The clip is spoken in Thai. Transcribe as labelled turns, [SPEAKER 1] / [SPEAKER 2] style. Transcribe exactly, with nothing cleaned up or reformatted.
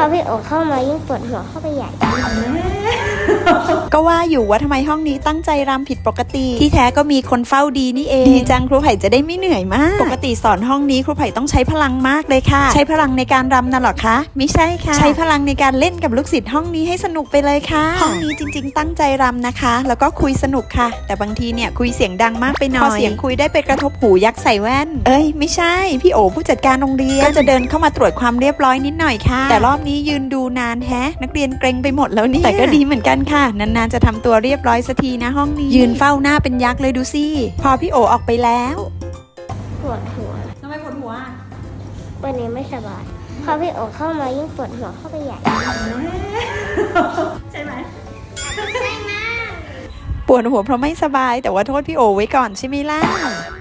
[SPEAKER 1] อพี่โอเข้ามายิ่งปวดหัวเข้าไปใหญ่
[SPEAKER 2] ก็ว่าอยู่ว่าทำไมห้องนี้ตั้งใจรำผิดปกติที่แท้ก็มีคนเฝ้าดีนี่เองดีจังครูไผ่จะได้ไม่เหนื่อยมากปกติสอนห้องนี้ครูไผ่ต้องใช้พลังมากเลยค่ะใช้พลังในการรำน่ะหรอคะไม่ใช่ค่ะใช้พลังในการเล่นกับลูกศิษย์ห้องนี้ให้สนุกไปเลยค่ะห้องนี้จริงๆตั้งใจรำนะคะแล้วก็คุยสนุกค่ะแต่บางทีเนี่ยคุยเสียงดังมากไปหน่อยพอเสียงคุยได้ไปกระทบหูยักษ์ใส่แว่นเอ้ยไม่ใช่พี่โอผู้จัดการโรงเรียนก็จะเดินเข้ามาตรวจความเรียบร้อยนิดหน่อยค่ะแต่รอบนี้ยืนดูนานแฮะนักเรียนเกรงไปหมดแล้วเนี่ยแต่ก็ดีเหมือนกันค่ะนานๆจะทำตัวเรียบร้อยสักทีนะห้องนี้ยืนเฝ้าหน้าเป็นยักษ์เลยดูสิพอพี่โอออกไปแล้ว
[SPEAKER 1] ปวดหัว
[SPEAKER 2] ทำไมปวดหัว
[SPEAKER 1] วันนี้ไม่สบายพอพี่โอเข้ามายิ่งปวดหัวเข้าไปใหญ่
[SPEAKER 2] ใช่ไหมใช่มากปวดหัวเพราะไม่สบายแต่ว่าโทษพี่โอไว้ก่อนใช่ไหมล่ะ